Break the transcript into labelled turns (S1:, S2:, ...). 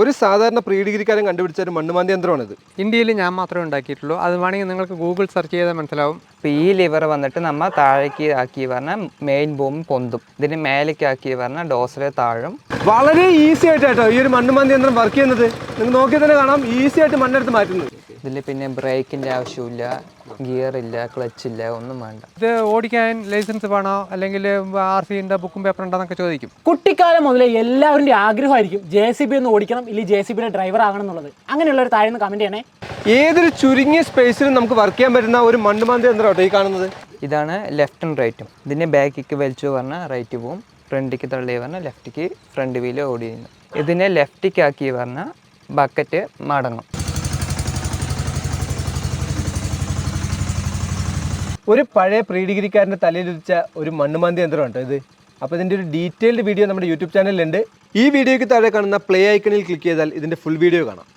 S1: ഒരു സാധാരണ പ്രീ ഡിഗ്രിക്കാരൻ കണ്ടുപിടിച്ച ഒരു മണ്ണുമാന്തി യന്ത്രമാണിത്.
S2: ഇന്ത്യയിൽ ഞാൻ മാത്രമേ ഉണ്ടാക്കിയിട്ടുള്ളൂ. അത് വേണമെങ്കിൽ നിങ്ങൾക്ക് ഗൂഗിൾ സെർച്ച് ചെയ്താൽ മനസ്സിലാവും.
S3: ഇപ്പോൾ ഈ ലിവർ വന്നിട്ട് നമ്മൾ താഴേക്ക് ആക്കി പറഞ്ഞാൽ മെയിൻ ബോം പൊന്തും, ഇതിന് മേലേക്ക് ആക്കി പറഞ്ഞാൽ ഡോസറെ താഴും.
S1: വളരെ ഈസി ആയിട്ടോ ഈ ഒരു മണ്ണുമാന്തി യന്ത്രം വർക്ക് ചെയ്യുന്നത്. നിങ്ങൾ നോക്കിയാൽ തന്നെ കാണാം, ഈസി ആയിട്ട് മണ്ണെടുത്ത് മാറ്റുന്നത്.
S3: ഇതിൽ പിന്നെ ബ്രേക്കിൻ്റെ ആവശ്യമില്ല, ഗിയർ ഇല്ല, ക്ലച്ച് ഇല്ല, ഒന്നും വേണ്ട.
S2: ഇത് ഓടിക്കാൻ ലൈസൻസ് വേണോ അല്ലെങ്കിൽ RC ഉണ്ട്, ബുക്കും പേപ്പർ ഉണ്ടോന്നൊക്കെ ചോദിക്കും.
S4: കുട്ടിക്കാലം മുതലേ എല്ലാവരുടെ ആഗ്രഹമായിരിക്കും JCB ഒന്ന് ഓടിക്കണം, ഇല്ലെങ്കിൽ JCBയുടെ ഡ്രൈവർ ആകണം എന്നുള്ളത്. അങ്ങനെയുള്ളവർ താഴെ നിന്ന് കമൻറ്റ് ചെയ്യണേ.
S1: ഏതൊരു ചുരുങ്ങിയ സ്പേസിലും നമുക്ക് വർക്ക് ചെയ്യാൻ പറ്റുന്ന ഒരു മണ്ണുമാന്തി യന്ത്രം കേട്ടോ ഈ കാണുന്നത്.
S3: ഇതാണ് ലെഫ്റ്റും റൈറ്റും. ഇതിൻ്റെ ബാക്കിക്ക് വലിച്ചു പറഞ്ഞാൽ റൈറ്റ് പോവും, ഫ്രണ്ടിക്ക് തള്ളി പറഞ്ഞാൽ ലെഫ്റ്റിക്ക് ഫ്രണ്ട് വീല് ഓടി ചെയ്യുന്നു. ഇതിനെ ലെഫ്റ്റിക്ക് ആക്കി പറഞ്ഞാൽ ബക്കറ്റ് മടങ്ങും.
S1: ഒരു പഴയ പ്രീ ഡിഗ്രിക്കാരൻ്റെ തലയിലുദിച്ച ഒരു മണ്ണുമാന്തി യന്ത്രം കേട്ടോ ഇത്. അപ്പോൾ ഇതിൻ്റെ ഒരു ഡീറ്റെയിൽഡ് വീഡിയോ നമ്മുടെ യൂട്യൂബ് ചാനലിലുണ്ട്. ഈ വീഡിയോയ്ക്ക് താഴെ കാണുന്ന പ്ലേ ഐക്കണിൽ ക്ലിക്ക് ചെയ്താൽ ഇതിൻ്റെ ഫുൾ വീഡിയോ കാണാം.